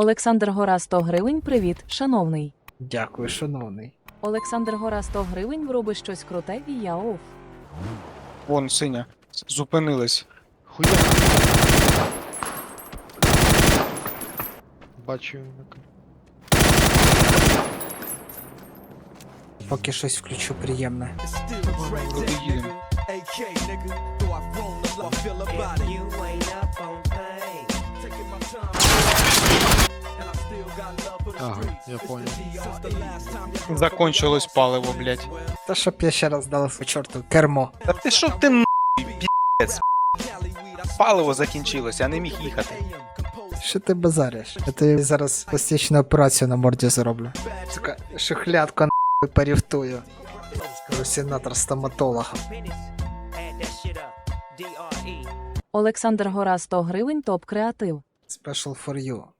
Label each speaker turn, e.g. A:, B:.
A: Олександр Гора 100 гривень. Привіт, шановний.
B: Дякую, шановний.
A: Олександр Гора 100 гривень. Робиш щось круте і я оф.
C: Вон, синя. Зупинилась.
D: Хуя. Бачу.
B: Поки щось включу приємне.
C: Куди їдемо?
D: Ага, я понял.
C: Закончилось паливо, блядь.
B: Та щоб я ще раз дав по чорту кермо.
C: Та ти що ти пі***ць? Паливо закінчилося, я не міг їхати.
B: Що ти базариш? Я тобі зараз пластичну операцію на морді зроблю. Сука, шухлядку на поріфтую. Сенатор стоматолога.
A: Олександр Гора 100 гривень. Топ креатив.
B: Special for you.